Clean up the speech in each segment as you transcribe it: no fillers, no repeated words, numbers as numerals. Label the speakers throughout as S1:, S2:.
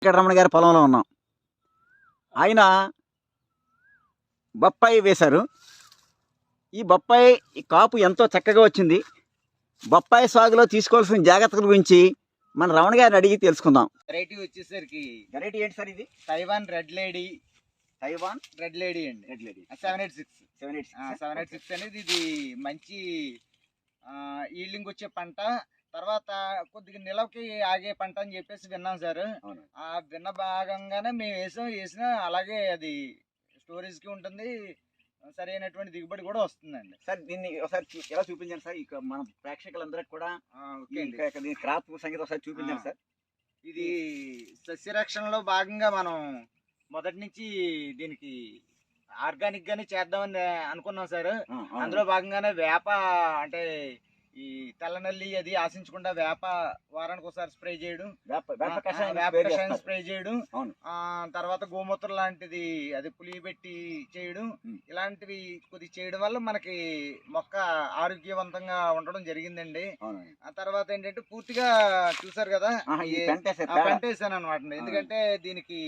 S1: వెంకటరమణ గారి పొలంలో ఉన్నాం. ఆయన బొప్పాయి వేశారు. ఈ బొప్పాయి కాపు ఎంతో చక్కగా వచ్చింది. బొప్పాయి సాగులో తీసుకోవాల్సిన జాగ్రత్తల గురించి మన రమణ గారిని అడిగి తెలుసుకుందాం.
S2: వెరైటీ వచ్చేసరికి
S1: వెరైటీ ఏంటి సార్ ఇది?
S2: Taiwan red lady.
S1: Taiwan
S2: red lady అండి.
S1: రెడ్ లేడీ
S2: 786 అనేది ఇది మంచి ఈల్డింగ్ వచ్చే పంట. తర్వాత కొద్దిగా నిలవకి ఆగే పంట అని చెప్పేసి విన్నాం సార్. ఆ విన్న భాగంగానే మేము వేసిన అలాగే అది స్టోరేజ్ కి ఉంటుంది, సరైనటువంటి దిగుబడి కూడా వస్తుందండి.
S1: సార్ దీన్ని ఒకసారి ఎలా చూపించండి సార్, ఇక మన ప్రేక్షకులందరికి కూడా దీని క్రాప్ సంగతి ఒకసారి చూపించండి సార్.
S2: ఇది సస్యరక్షణలో భాగంగా మనం మొదటి నుంచి దీనికి ఆర్గానిక్ గానే చేద్దామని అనుకున్నాం సార్. అందులో భాగంగానే వేప అంటే ఈ తెల్లనల్లి అది ఆశించకుండా వేప వారానికి ఒకసారి స్ప్రే చేయడం, వేప కషాయం స్ప్రే చేయడం, తర్వాత గోమూత్రం లాంటిది అది పులియబెట్టి చేయడం, ఇలాంటివి కొద్ది చేయడం వల్ల మనకి మొక్క ఆరోగ్యవంతంగా ఉండడం జరిగిందండి. ఆ తర్వాత ఏంటంటే పూర్తిగా చూసారు కదా పంట వేసాను అనమాట. ఎందుకంటే దీనికి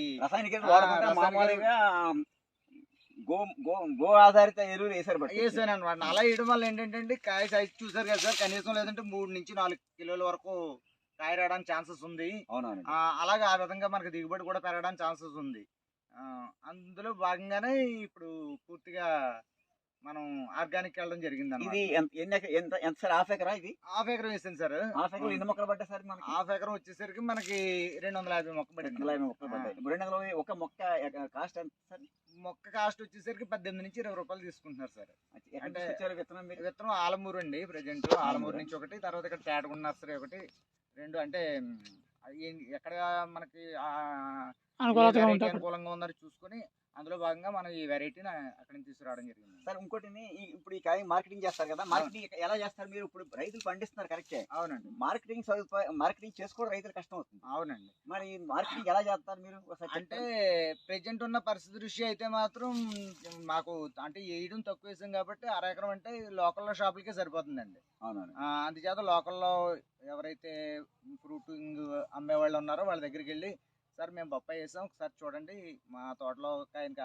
S1: గో ఆధారిత ఎరువులు
S2: వేసాను అనమాట. అలా వేయడం వల్ల ఏంటంటే కాయ సైజ్ చూసారు కదా సార్, కనీసం లేదంటే 3 నుంచి 4 కిలోల వరకు కాయ రావడానికి ఛాన్సెస్ ఉంది. అలాగే ఆ విధంగా మనకి దిగుబడి కూడా పెరగడానికి ఛాన్సెస్ ఉంది. అందులో భాగంగానే ఇప్పుడు పూర్తిగా మనం ఆర్గానిక్ వెళ్ళడం జరిగింది.
S1: ఇది ఎంత సార్? హాఫ్ ఎకరా? ఇది
S2: హాఫ్ ఎకరం వేసాను సార్.
S1: హాఫ్ ఎకరం ఎన్ని మొక్కలు పడ్డాయి సార్?
S2: హాఫ్ ఎకరం వచ్చేసరికి మనకి 250 మొక్క పడింది.
S1: 250 మొక్కలు పడ్డాయి. 250 ఒక మొక్క కాస్ట్ ఎంత సార్?
S2: మొక్క కాస్ట్ వచ్చేసరికి 18 నుంచి 20 రూపాయలు తీసుకుంటున్నారు సార్.
S1: అంటే
S2: విత్తనం ఆలమూరు అండి. ప్రెజెంట్ ఆలమూరు నుంచి ఒకటి, తర్వాత ఇక్కడ తేటగుండ నర్సరీ ఒకటి, 2 అంటే ఎక్కడ మనకి అనుకూలంగా ఉందని చూసుకొని అందులో భాగంగా మనం ఈ వెరైటీని అక్కడ నుంచి తీసుకురావడం జరిగింది
S1: సార్. ఇంకోటి ఇప్పుడు ఈ కాయ మార్కెటింగ్ చేస్తారు కదా, మార్కెటింగ్ ఎలా చేస్తారు మీరు? ఇప్పుడు రైతులు పండిస్తున్నారు కరెక్టే.
S2: అవునండి.
S1: మార్కెటింగ్ చేసుకోవడం రైతులు కష్టం అవుతుంది.
S2: అవునండి.
S1: మరి మార్కెటింగ్ ఎలా చేస్తారు మీరు?
S2: అంటే ప్రెజెంట్ ఉన్న పరిస్థితి దృష్టి అయితే మాత్రం మాకు అంటే వేయడం తక్కువ వేసాం కాబట్టి 1/2 ఎకరం అంటే లోకల్లో షాపులకే సరిపోతుందండి.
S1: అవునండి.
S2: అందుచేత లోకల్లో ఎవరైతే ఫ్రూటింగ్ అమ్మే వాళ్ళు ఉన్నారో వాళ్ళ దగ్గరికి వెళ్ళి, సార్ మేము బొప్పాయి వేసాం, ఒకసారి చూడండి, మా తోటలో కాసిన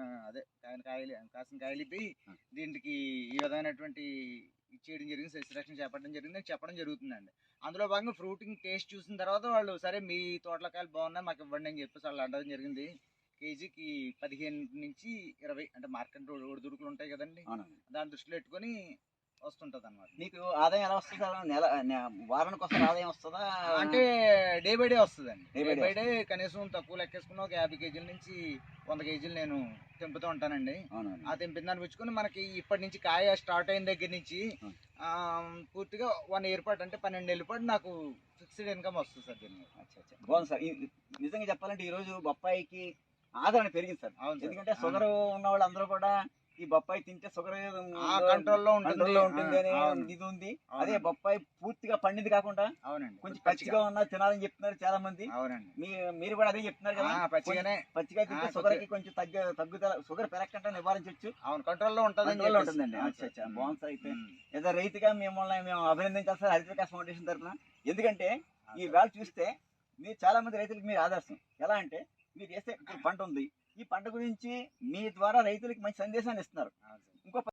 S2: కాయలు ఇప్పి దీనికి ఈ విధమైనటువంటి చేయడం జరిగింది, సస్యరక్షణ చేపట్టడం జరిగింది అని చెప్పడం జరుగుతుందండి. అందులో భాగంగా ఫ్రూటింగ్ టేస్ట్ చూసిన తర్వాత వాళ్ళు సరే మీ తోటలో కాయలు బాగున్నాయి మాకు ఇవ్వండి అని చెప్పేసి వాళ్ళు అనడం జరిగింది. కేజీకి 15 నుంచి 20 అంటే మార్కెట్ ఒడిదుడుకులు ఉంటాయి కదండి, దాన్ని దృష్టిలో పెట్టుకొని వస్తుంటది అనమాట.
S1: మీకు ఆదాయం ఎలా వస్తుంది? వారానికి ఒకసారి ఆదాయం వస్తుందా?
S2: అంటే డే బై డే వస్తుందండి. డే బై డే కనీసం తక్కువ లెక్కేసుకున్న ఒక 50 కేజీల నుంచి 100 కేజీలు నేను తెంపుతూ ఉంటానండి. ఆ తెంపిన దాన్ని పుచ్చుకొని మనకి ఇప్పటి నుంచి కాయ స్టార్ట్ అయిన దగ్గర నుంచి పూర్తిగా 1 ఇయర్ పాటు అంటే 12 నెలల పాటు నాకు ఫిక్స్డ్ ఇన్కమ్ వస్తుంది సార్ దీన్ని.
S1: బాగుంది సార్. నిజంగా చెప్పాలంటే ఈ రోజు బొప్పాయికి ఆదరణ పెరిగింది సార్. ఎందుకంటే షుగర్ ఉన్న వాళ్ళు అందరూ కూడా ఈ బొప్పాయి తింటే షుగర్
S2: కంట్రోల్లో ఉంటుంది
S1: అనే ఇది ఉంది. అదే బొప్పాయి పూర్తిగా పండింది కాకుండా కొంచెం పచ్చిగా ఉన్నా తినాలని చెప్తున్నారు చాలా మంది. మీరు కూడా అదే చెప్తున్నారు కదా, పచ్చిగా తింటే షుగర్ కి కొంచెం తగ్గుదల, షుగర్ పెరగకుండా నివారించవచ్చు,
S2: కంట్రోల్లో
S1: ఉంటుందండి. బాగుంది సార్. అయితే ఏదో రైతుగా మేము అభినందించాలి సార్ హరిత వికాస్ ఫౌండేషన్ తరఫున. ఎందుకంటే ఈ వేళ చూస్తే మీరు చాలా మంది రైతులకు మీరు ఆదర్శం. ఎలా అంటే మీరు చేస్తే పంట ఉంది, ఈ పంట గురించి మీ ద్వారా రైతులకు మంచి సందేశాన్ని ఇస్తున్నారు. ఇంకో